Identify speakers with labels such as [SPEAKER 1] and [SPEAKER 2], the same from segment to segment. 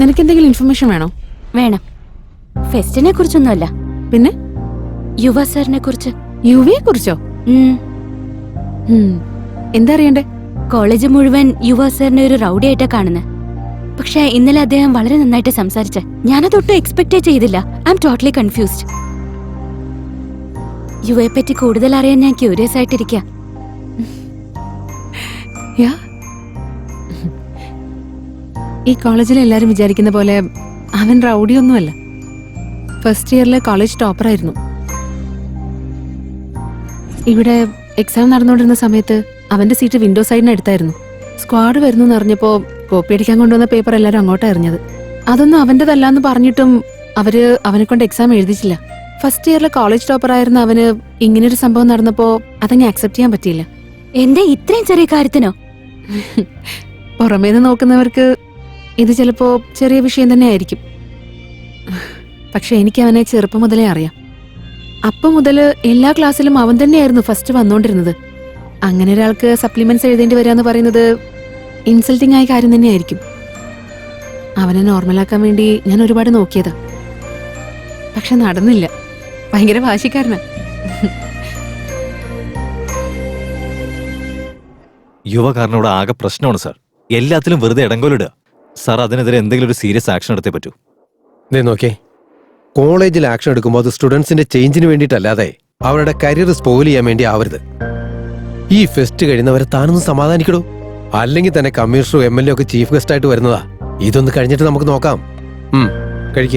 [SPEAKER 1] നിനക്ക് എന്തെങ്കിലും ഇൻഫർമേഷൻ വേണോ?
[SPEAKER 2] വേണം. ഫെസ്റ്റിനെ കുറിച്ചൊന്നുമല്ല,
[SPEAKER 1] പിന്നെ
[SPEAKER 2] യുവ സാറിനെ കുറിച്ച്.
[SPEAKER 1] യുവയെ കുറിച്ചോ? എന്താ അറിയണ്ടേ?
[SPEAKER 2] കോളേജ് മുഴുവൻ യുവ സാറിനെ ഒരു റൗഡിയായിട്ടാ കാണുന്നത്. പക്ഷെ ഇന്നലെ അദ്ദേഹം വളരെ നന്നായിട്ട് സംസാരിച്ച. ഞാനതൊട്ടും എക്സ്പെക്ടേ ചെയ്തില്ല. I'm totally confused. യുവയെ പറ്റി കൂടുതൽ അറിയാൻ ഞാൻ ക്യൂരിയസ് ആയിട്ടിരിക്ക.
[SPEAKER 1] ഈ കോളേജിൽ എല്ലാരും വിചാരിക്കുന്ന പോലെ അവൻ റൗഡിയൊന്നുമല്ല. ഫസ്റ്റ് ഇയറിലെ കോളേജ് ടോപ്പറായിരുന്നു. ഇവിടെ എക്സാം നടന്നുകൊണ്ടിരുന്ന സമയത്ത് അവന്റെ സീറ്റ് വിൻഡോ സൈഡിന് അടുത്തായിരുന്നു. സ്ക്വാഡ് വരുന്നു എന്നറിഞ്ഞപ്പോ കോപ്പി അടിക്കാൻ കൊണ്ടുവന്ന പേപ്പർ എല്ലാരും അങ്ങോട്ടാ എറിഞ്ഞത്. അതൊന്നും അവന്റെതല്ലാന്ന് പറഞ്ഞിട്ടും അവര് അവനെ കൊണ്ട് എക്സാം എഴുതിച്ചില്ല. ഫസ്റ്റ് ഇയറിലെ കോളേജ് ടോപ്പറായിരുന്ന അവന് ഇങ്ങനൊരു സംഭവം നടന്നപ്പോ അതങ്ങ് ആക്സെപ്റ്റ് ചെയ്യാൻ പറ്റിയില്ല.
[SPEAKER 2] എന്താ ഇത്രയും ചെറിയ കാര്യത്തിനോ?
[SPEAKER 1] പുറമേന്ന് നോക്കുന്നവർക്ക് ഇത് ചിലപ്പോ ചെറിയ വിഷയം തന്നെ ആയിരിക്കും. പക്ഷെ എനിക്ക് അവനെ ചെറുപ്പം മുതലേ അറിയാം. അപ്പം മുതല് എല്ലാ ക്ലാസ്സിലും അവൻ തന്നെയായിരുന്നു ഫസ്റ്റ് വന്നോണ്ടിരുന്നത്. അങ്ങനെ ഒരാൾക്ക് സപ്ലിമെന്റ്സ് എഴുതേണ്ടി വരാന്ന് പറയുന്നത് ഇൻസൾട്ടിംഗ് ആയ കാര്യം തന്നെയായിരിക്കും. അവനെ നോർമലാക്കാൻ വേണ്ടി ഞാൻ ഒരുപാട് നോക്കിയതാ, പക്ഷെ നടന്നില്ല. ഭയങ്കര വാശിക്കാരനാ.
[SPEAKER 3] യുവകാരനോട് ആകെ പ്രശ്നമാണ് സാർ. എല്ലാത്തിലും വെറുതെ ഇടങ്കോലിടുക. സാർ അതിനെതിരെ എന്തെങ്കിലും ഒരു സീരിയസ് ആക്ഷൻ എടുത്തേ പറ്റൂ.
[SPEAKER 4] നോക്കേ, കോളേജിൽ ആക്ഷൻ എടുക്കുമ്പോൾ അത് സ്റ്റുഡൻസിന്റെ ചേഞ്ചിന് വേണ്ടിയിട്ടല്ലാതെ അവരുടെ കരിയർ സ്പോയിൽ ചെയ്യാൻ വേണ്ടി ആവരുത്. ഈ ഫെസ്റ്റ് കഴിയുന്നവരെ താനൊന്ന് സമാധാനിക്കടൂ. അല്ലെങ്കിൽ തന്നെ കമ്മീഷണറും MLA ഒക്കെ ചീഫ് ഗസ്റ്റ് ആയിട്ട് വരുന്നതാ. ഇതൊന്ന് കഴിഞ്ഞിട്ട് നമുക്ക് നോക്കാം. കഴിക്ക.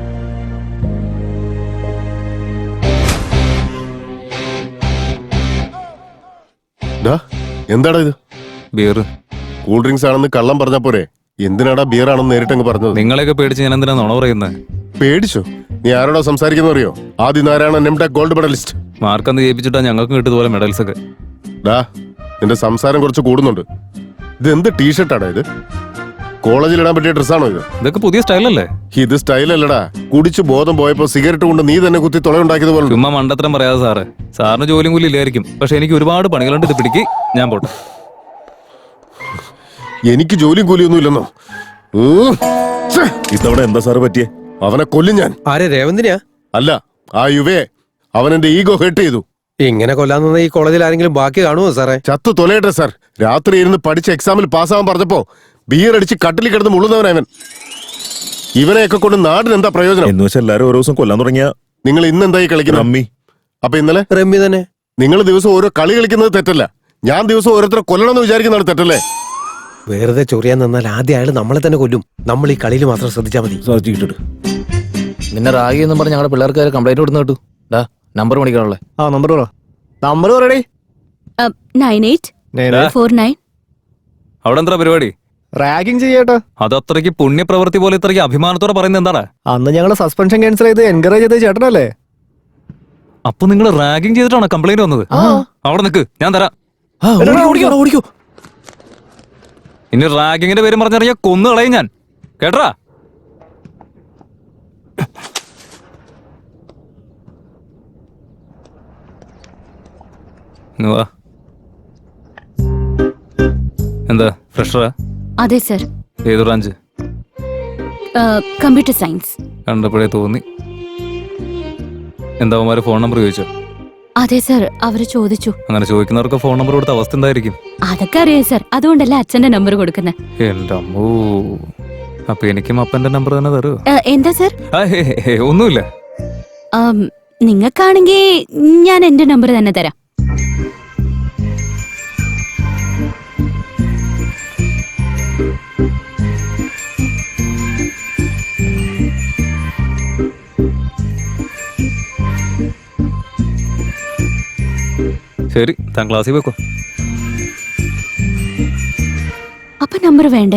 [SPEAKER 5] എന്താടാ ഇത്?
[SPEAKER 3] ബിയർ.
[SPEAKER 5] കൂൾ ഡ്രിങ്ക്സ് ആണെന്ന് കള്ളം പറഞ്ഞ പോരെ? എന്തിനാടാ ബിയർ ആണെന്ന് നേരിട്ടങ്ങ് പറഞ്ഞത്?
[SPEAKER 3] നിങ്ങളെയൊക്കെ പേടിച്ച് ഞാൻ എന്തിനാ നുണ പറയുന്നത്?
[SPEAKER 5] പേടിച്ചോ? നീ ആരോടാ സംസാരിക്കുന്ന അറിയോ? ആദ്യം ആരാണ് നെംടെക് ഗോൾഡ് മെഡലിസ്റ്റ്.
[SPEAKER 3] മാർക്കന്ന് ജയിപ്പിച്ചിട്ടാ ഞങ്ങൾക്ക് കിട്ടിയതുപോലെ മെഡൽസ് ഒക്കെ.
[SPEAKER 5] ഡാ, നിന്റെ സംസാരം കുറച്ച് കൂടുന്നുണ്ട്. ഇത് എന്ത് ടീഷർട്ടാടാ ഇത്? കോളേജിൽ ഇടാൻ പറ്റിയ ഡ്രസ്സാണോ ഇത്?
[SPEAKER 3] ഇതൊക്കെ പുതിയ സ്റ്റൈലല്ലേ?
[SPEAKER 5] ഇത് സ്റ്റൈലല്ലടാ. കുടിച്ച് ബോധം പോയപ്പോ സിഗരറ്റ് കൊണ്ട് നീ തന്നെ കുത്തി തുളയുണ്ടാക്കിയത് പോലെ.
[SPEAKER 3] ചുമ്മാ മണ്ടത്തരം പറയാതെ സാറ്. സാറിന് ജോലിയും കൂലി ഇല്ലായിരിക്കും, പക്ഷെ എനിക്ക് ഒരുപാട് പണികളുണ്ട്. ഇത് പിടിക്ക്, ഞാൻ പോട്ടെ.
[SPEAKER 5] എനിക്ക് ജോലിയും കൂലിയൊന്നും ഇല്ലെന്നോ? ഇതവിടെ എന്താ സാറ് പറ്റിയേ? അവനെ കൊല്ലും ഞാൻ.
[SPEAKER 4] ആരെ? രേവന്തിനാ?
[SPEAKER 5] അല്ല, ആ യുവയെ. അവൻ എന്റെ ഈഗോ ഹെർട്ട് ചെയ്തു.
[SPEAKER 4] ഇങ്ങനെ കൊല്ലാൻ ഈ കോളേജിൽ ആരെങ്കിലും ബാക്കി കാണുമോ സാറേ?
[SPEAKER 5] ചത്തു തൊലയട്ടെ സാർ. രാത്രി ഇരുന്ന് പഠിച്ച എക്സാമിൽ പാസ്സാവാൻ പറഞ്ഞപ്പോ ബിയർ അടിച്ച് കട്ടിൽ കിടന്ന് മുള്ളുന്നവനവൻ. ഇവനെയൊക്കെ കൊണ്ട് നാടിന് എന്താ പ്രയോജനം?
[SPEAKER 6] എന്ന് വെച്ചാൽ എല്ലാരും ഓരോ ദിവസം കൊല്ലാൻ തുടങ്ങിയ.
[SPEAKER 5] നിങ്ങൾ ഇന്ന് എന്തായി കളിക്കുന്നത്?
[SPEAKER 6] റമ്മി.
[SPEAKER 5] അപ്പൊ ഇന്നലെ
[SPEAKER 4] റമ്മി തന്നെ.
[SPEAKER 5] നിങ്ങൾ ദിവസം ഓരോ കളി കളിക്കുന്നത് തെറ്റല്ല. ഞാൻ ദിവസം ഓരോരുത്തരെ കൊല്ലണമെന്ന് വിചാരിക്കുന്നതാണ് തെറ്റല്ലേ?
[SPEAKER 4] വെറുതെ ചൊറിയാൻ നിന്നാൽ ആദ്യം അയാൾ നമ്മളെ തന്നെ കൊല്ലും. നമ്മൾ ഈ കളിയിൽ മാത്രം ശ്രദ്ധിച്ചാൽ മതി.
[SPEAKER 7] നിന്നെ റാഗി എന്നും പറഞ്ഞ് ഞങ്ങളുടെ പിള്ളേർക്ക് കംപ്ലൈന്റ് കൊടുത്തു കേട്ടു. നമ്പർ മേടിക്കാനുള്ളേ.
[SPEAKER 8] നമ്പർ നമ്പർ പറയടേ.
[SPEAKER 2] 9849.
[SPEAKER 3] അവിടെ എന്താ പരിപാടി?
[SPEAKER 8] റാഗിങ് ചെയ്യട്ടോ.
[SPEAKER 3] അത് അത്രയ്ക്ക് പുണ്യപ്രവൃത്തി പോലെ ഇത്രയ്ക്ക് അഭിമാനത്തോടെ പറയുന്നത് എന്താണ്?
[SPEAKER 8] അന്ന് ഞങ്ങൾ സസ്പെൻഷൻ ക്യാൻസൽ ചെയ്ത് എൻകറേജ് ചെയ്ത് ചേട്ടനല്ലേ?
[SPEAKER 3] അപ്പൊ നിങ്ങൾ റാഗിങ് ചെയ്തിട്ടാണോ കംപ്ലൈന്റ് വന്നത്? അവിടെ നിൽക്ക്, ഞാൻ തരാം.
[SPEAKER 4] ഓടിക്കോ.
[SPEAKER 3] ഇനി റാഗിങ്ങിന്റെ പേരും പറഞ്ഞറിയാ കൊന്നു കളയും ഞാൻ, കേട്ടറാ? എന്താ ഫ്രഷറാ?
[SPEAKER 2] അതെ സർ.
[SPEAKER 3] ഏത് ബ്രാഞ്ച്?
[SPEAKER 2] Computer science.
[SPEAKER 3] കണ്ടപ്പോഴേ തോന്നി. എന്താ അവന്മാര് ഫോൺ നമ്പർ ചോദിച്ചോ?
[SPEAKER 2] അതെ സർ, അവര് ചോദിച്ചു.
[SPEAKER 3] അങ്ങനെ ചോദിക്കുന്നവർക്ക് ഫോൺ നമ്പർ കൊടുത്ത അവസ്ഥ എന്തായിരിക്കും?
[SPEAKER 2] അതൊക്കെ അറിയാം സർ, അതുകൊണ്ടല്ലേ അച്ഛന്റെ നമ്പർ കൊടുക്കുന്നത്.
[SPEAKER 3] എന്റെ അമ്മോ, അപ്പൊ എനിക്കും അപ്പന്റെ നമ്പർ തന്നെ തരൂ.
[SPEAKER 2] എന്താ സർ?
[SPEAKER 3] ഒന്നുമില്ല.
[SPEAKER 2] നിങ്ങൾക്കാണെങ്കിൽ ഞാൻ എന്റെ നമ്പർ തന്നെ തരാം.
[SPEAKER 3] ശരി, താൻ ക്ലാസ്സിൽ വെക്കോ.
[SPEAKER 2] അപ്പൊ നമ്പർ വേണ്ടേ?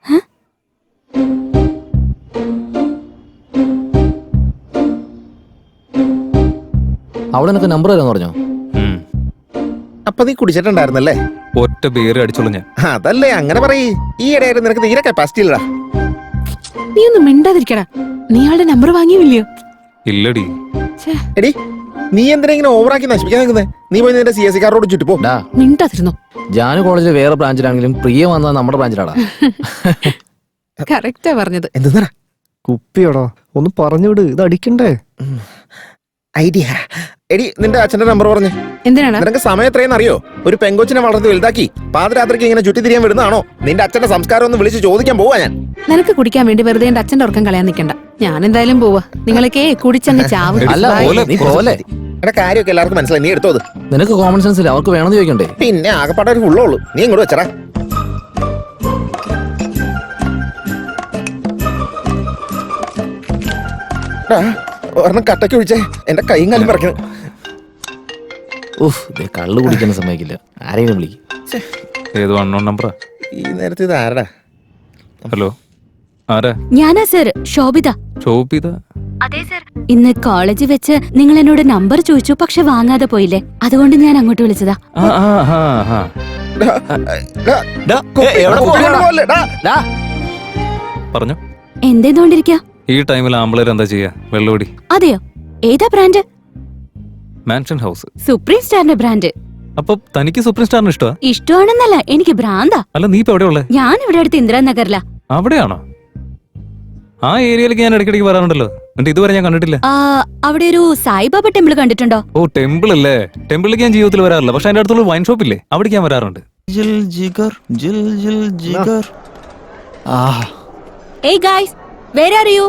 [SPEAKER 7] അവിടെ നിനക്ക് നമ്പർ തരാന്ന് പറഞ്ഞോ?
[SPEAKER 8] അപ്പൊ നീ കുടിച്ചിട്ടുണ്ടായിരുന്നല്ലേ?
[SPEAKER 3] ഒറ്റ ബിയർ അടിച്ചോളൂ ഞാൻ.
[SPEAKER 8] അതല്ലേ അങ്ങനെ പറയ്. ഈ ഇടയായിരുന്നു നിനക്ക് തീരെ കപ്പാസിറ്റി ഇല്ലടാ.
[SPEAKER 1] നീ ഒന്നും മിണ്ടാതിരിക്കടാ. നീ ആളുടെ നമ്പർ വാങ്ങിയില്ലയോ?
[SPEAKER 3] ഇല്ലടി.
[SPEAKER 8] എടി, നീ എന്തിനാ ഇങ്ങനെ ഓവറാക്കി നശിപ്പിക്കാൻ നിൽക്കുന്നേ? നീ പോയി നിന്റെ CSE കാരോട് ചുറ്റി പോ.
[SPEAKER 1] മിണ്ടാതിരുന്നോ?
[SPEAKER 7] ജാനു കോളേജിലെ വേറെ ബ്രാഞ്ചിലാണെങ്കിലും പ്രിയ വന്നത് നമ്മുടെ ബ്രാഞ്ചിലാടാ.
[SPEAKER 1] കറക്റ്റാ പറഞ്ഞത്.
[SPEAKER 8] എന്തെന്നാ
[SPEAKER 6] കുപ്പിയോടോ ഒന്ന് പറഞ്ഞുവിട്, ഇത് അടിക്കണ്ടേ?
[SPEAKER 8] ഐഡിയ. എടി നിന്റെ അച്ഛന്റെ നമ്പർ പറഞ്ഞേ.
[SPEAKER 1] എന്തിനാണ്?
[SPEAKER 8] നിനക്ക് സമയം എത്രയെന്ന് അറിയോ? ഒരു പെങ്കൊച്ചിനെ വളർത്തി വലുതാക്കി പാതിരാത്രിക്ക് ഇങ്ങനെ ചുറ്റി തിരിയാൻ വിടുന്നതാണോ? നിന്റെ അച്ഛന്റെ സംസ്കാരം ഒന്ന് വിളിച്ച് ചോദിക്കാൻ പോവാ ഞാൻ.
[SPEAKER 1] നിനക്ക് കുടിക്കാൻ വേണ്ടി വെറുതെ എന്റെ അച്ഛന്റെ ഉറക്കം കളയാൻ നിൽക്കണ്ട. ഞാൻ എന്തായാലും പോവാ. നിങ്ങളൊക്കെ കുടിച്ചങ്ങ് ചാവും.
[SPEAKER 7] അല്ല നീ പോലെ
[SPEAKER 8] എന്റെ കാര്യമൊക്കെ എല്ലാവർക്കും മനസ്സിലായി. നീ എടുത്തോ അത്.
[SPEAKER 7] നിനക്ക് കോമൺ സെൻസ് ഇല്ല, അവർക്ക് വേണമെന്ന് ചോദിക്കണ്ടേ?
[SPEAKER 8] പിന്നെ ആകെപ്പാടെ ഒരു ഫുള്ളേ നീ ഇങ്ങോട്ട് വെച്ചടാ. ഒരെണ്ണം കട്ടയ്ക്ക് ഒഴിച്ചേ, എന്റെ കൈയും കാലും പറക്കണം.
[SPEAKER 7] ഉഫ്, കള്ളു കുടിക്കാൻ സമ്മതിക്കില്ല. ആരെങ്കിലും വിളിക്കും.
[SPEAKER 3] ഏത് അൺനോൺ നമ്പറാ?
[SPEAKER 8] ഈ നേരത്തെ ഇത് ആരടാ?
[SPEAKER 3] ഹലോ, ആരാ?
[SPEAKER 2] ഞാനാ സർ, ശോഭിത.
[SPEAKER 3] ശോഭിത?
[SPEAKER 2] അതെ സർ. ഇന്ന് കോളേജിൽ വെച്ച് നിങ്ങൾ എന്നോട് നമ്പർ ചോദിച്ചു, പക്ഷെ വാങ്ങാതെ പോയില്ലേ, അതുകൊണ്ട് ഞാൻ അങ്ങോട്ട് വിളിച്ചതാ.
[SPEAKER 3] പറഞ്ഞു.
[SPEAKER 2] എന്തേന്നോണ്ടിരിക്ക?
[SPEAKER 3] ഈ ടൈമിൽ ആമ്പിളേർ എന്താ ചെയ്യാ? വെള്ളോടി.
[SPEAKER 2] അതെയോ? ഏതാ ബ്രാൻഡ്?
[SPEAKER 3] Mansion house.
[SPEAKER 2] സുപ്രീം സ്റ്റാറിന്റെ ബ്രാൻഡ്.
[SPEAKER 3] അപ്പൊ തനിക്ക് സുപ്രീം സ്റ്റാറിന് ഇഷ്ടമാ?
[SPEAKER 2] ഇഷ്ടമാണെന്നല്ല, എനിക്ക് ഭ്രാന്താ.
[SPEAKER 3] അല്ല, നീ ഇപ്പൊ എവിടെയുള്ളേ?
[SPEAKER 2] ഞാൻ ഇവിടെ അടുത്ത് ഇന്ദിരാനഗറിലാ.
[SPEAKER 3] അവിടെയാണോ? ആ ഏരിയയിലേക്ക് ഞാൻ ഇടയ്ക്കിടയ്ക്ക് വരാറുണ്ടല്ലോ. എന്നിട്ട് ഇതുവരെ ഞാൻ കണ്ടിട്ടില്ല.
[SPEAKER 2] അവിടെ ഒരു സായിബാബ ടെമ്പിൾ കണ്ടിട്ടുണ്ടോ?
[SPEAKER 3] ഓ, ടെമ്പിൾ അല്ലേ. ടെമ്പിളിലേക്ക് ഞാൻ ജീവിതത്തിൽ വരാറില്ല, പക്ഷെ അതിന്റെ അടുത്തുള്ള വൈൻ ഷോപ്പ് ഇല്ലേ, അവിടേക്ക് ഞാൻ വരാറുണ്ട്.
[SPEAKER 2] Hey guys, where are you?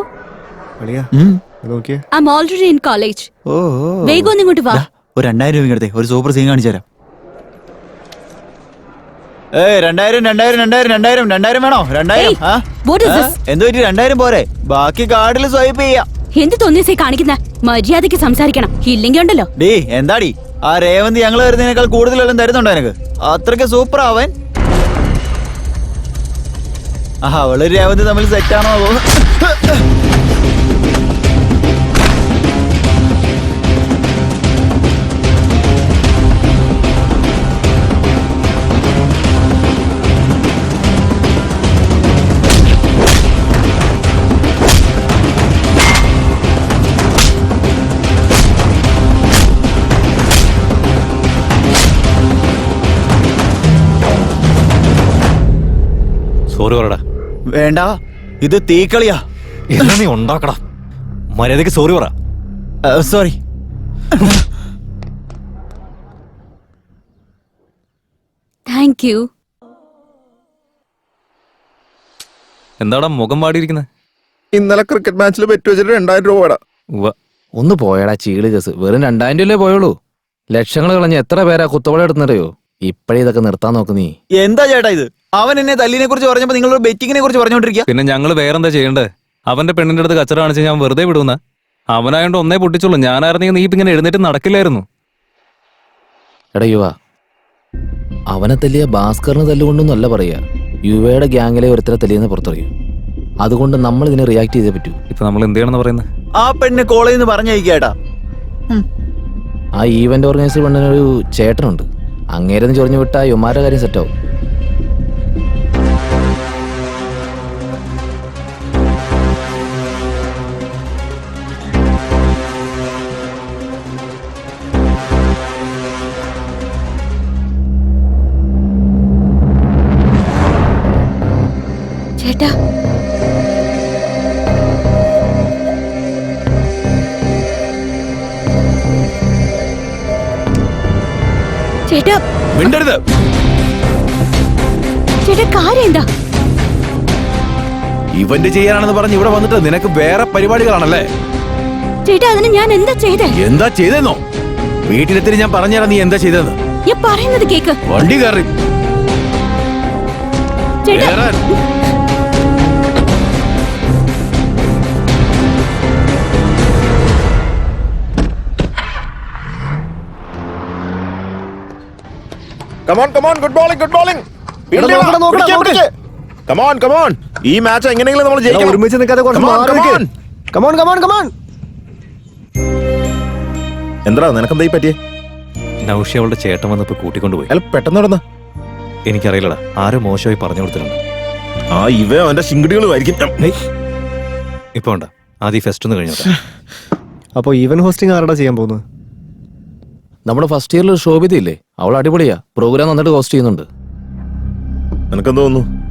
[SPEAKER 2] I'm already in college. വേഗം ഒന്ന് ഇങ്ങോട്ട് വാ.
[SPEAKER 9] ഒരു 2000 രൂപ എടുത്തേ, ഒരു സൂപ്പർ സീൻ കാണിച്ചു തരാം. 2000 വേണോ? 2000.
[SPEAKER 2] What is this?
[SPEAKER 9] എന്തോ 2000 പോരെ, ബാക്കി കാർഡിൽ സ്വൈപ്പ് ചെയ്യാം.
[SPEAKER 2] എന്ത് തോന്നിയസേ കാണിക്കുന്ന? മര്യാദയ്ക്ക് സംസാരിക്കണം, ഇല്ലെങ്കിൽ ഉണ്ടല്ലോ.
[SPEAKER 9] ഡേ എന്താടി, ആ രേവന്ത് ഞങ്ങൾ വരുന്നതിനേക്കാൾ കൂടുതലെല്ലാം തരുന്നുണ്ടോ എനിക്ക്? അത്രയ്ക്ക് സൂപ്പർ ആവൻ. അവള് രേവന്ത് തമ്മിൽ സെറ്റാണോ?
[SPEAKER 3] സോറി പറടാ.
[SPEAKER 9] വേണ്ട, ഇത് തീക്കളിയാ.
[SPEAKER 3] എന്നാ നീ ഉണ്ടാക്കടാ. മര്യാദക്ക് സോറി പറ.
[SPEAKER 9] സോറി.
[SPEAKER 2] Thank you.
[SPEAKER 3] എന്താടാ മുഖം പാടിയിരിക്കുന്നത്?
[SPEAKER 8] ഇന്നലെ ക്രിക്കറ്റ് മാച്ചിൽ പെറ്റ് വെച്ചിട്ട് 2000 രൂപ.
[SPEAKER 7] ഒന്ന് പോയടാ ചീള് കേസ്. വെറും 2000 രൂപയല്ലേ പോയുള്ളൂ. ലക്ഷങ്ങൾ കളഞ്ഞ് എത്ര പേരാ കുത്തവള എടുന്നറിയോ? ഇപ്പഴേ ഇതൊക്കെ നിർത്താൻ നോക്ക് നീ.
[SPEAKER 9] എന്താ ചേട്ടാ ഇത്? അവൻ എന്നെ തല്ലിനെ കുറിച്ച് പറഞ്ഞപ്പോ നിങ്ങൾ ബെറ്റിങ്ങിനെ കുറിച്ച് പറഞ്ഞോണ്ടിരിക്കുക.
[SPEAKER 3] പിന്നെ ഞങ്ങൾ വേറെന്താ ചെയ്യണ്ടേ? അവന്റെ പെണ്ണിന്റെ അടുത്ത് കച്ചറ കാണിച്ച് ഞാൻ വെറുതെ വിടുന്ന? അവനായോണ്ട് ഒന്നേ പൊട്ടിച്ചുള്ളൂ. ഞാനായിരുന്നെങ്കിൽ നീ ഇപ്പൊ ഇങ്ങനെ എഴുന്നേറ്റ് നടക്കില്ലായിരുന്നു.
[SPEAKER 7] എടാ യുവ, അവനെ തല്ലിയ ഭാസ്കറിന് തല്ലുകൊണ്ടൊന്നല്ല പറയാ, യുവയുടെ ഗ്യാങ്ങിലെ ഒരുത്തരെ തല്ലിയെന്ന് പുറത്തറിയും. അതുകൊണ്ട് നമ്മൾ ഇതിനെ റിയാക്ട് ചെയ്തേ പറ്റൂ.
[SPEAKER 3] ഇപ്പൊ നമ്മൾ എന്ത് ചെയ്യണമെന്ന് പറയുന്നത്?
[SPEAKER 9] ആ പെണ്ണ് കോളേജിൽ നിന്ന് പറഞ്ഞയക്കേട്ടാ.
[SPEAKER 7] ആ ഈവന്റ് ഓർഗനൈസർ പെണ്ണിനൊരു ചേട്ടനുണ്ട്. അങ്ങേരെന്ന് ചൊറിഞ്ഞു വിട്ടാ യുമാരുടെ കാര്യം സെറ്റാവും.
[SPEAKER 2] ചേട്ടാ, ചേട്ടാ
[SPEAKER 5] മിണ്ടരുത്.
[SPEAKER 2] ചേട്ടാ, കാര്യം എന്താ?
[SPEAKER 5] ഇവന്റ് ചെയ്യാനാണെന്ന് പറഞ്ഞ് ഇവിടെ വന്നിട്ട് നിനക്ക് വേറെ പരിപാടികളാണല്ലേ?
[SPEAKER 2] ചേട്ടാ, അതിന് ഞാൻ എന്താ ചെയ്തേ?
[SPEAKER 5] എന്താ ചെയ്തെന്നോ? വീട്ടിലെത്തി ഞാൻ പറഞ്ഞുതരാം നീ എന്താ ചെയ്തെന്ന്.
[SPEAKER 2] ഞാൻ പറയുന്നത് കേക്ക്.
[SPEAKER 5] വണ്ടി കയറി
[SPEAKER 2] ചേട്ടാ,
[SPEAKER 8] ഗുഡ് ബോളിംഗ്. ഈ മാച്ച് എങ്ങനെയെങ്കിലും നമ്മൾ ജയിക്കണം.
[SPEAKER 6] ഒരുമിച്ച് നിൽക്കാതെ
[SPEAKER 8] എന്താ നിനക്കെന്താ പറ്റിയേ?
[SPEAKER 3] നൗഷി അവളുടെ ചേട്ടൻ വന്നപ്പോ കൂട്ടിക്കൊണ്ടുപോയി.
[SPEAKER 8] അല്ല പെട്ടെന്ന് നടന്ന
[SPEAKER 3] എനിക്കറിയില്ലടാ, ആരോ മോശമായി പറഞ്ഞു കൊടുത്തിട്ടുണ്ട്.
[SPEAKER 8] ഇവ അവന്റെ ശിങ്കിടികളുമായിരിക്കും.
[SPEAKER 3] ഇപ്പൊ വേണ്ട, ആദ്യം ഫെസ്റ്റ് ഒന്ന് കഴിഞ്ഞോട്ടെ.
[SPEAKER 6] അപ്പൊ ഈവൻ ഹോസ്റ്റിംഗ് ആരടാ ചെയ്യാൻ പോകുന്നത്?
[SPEAKER 7] നമ്മുടെ ഫസ്റ്റ് ഇയറിൽ ശോഭിതയില്ലേ, അവൾ അടിപൊളിയാ. പ്രോഗ്രാം നന്നായിട്ട് ഹോസ്റ്റ് ചെയ്യുന്നുണ്ട്.
[SPEAKER 8] നിനക്കെന്ത് തോന്നുന്നു?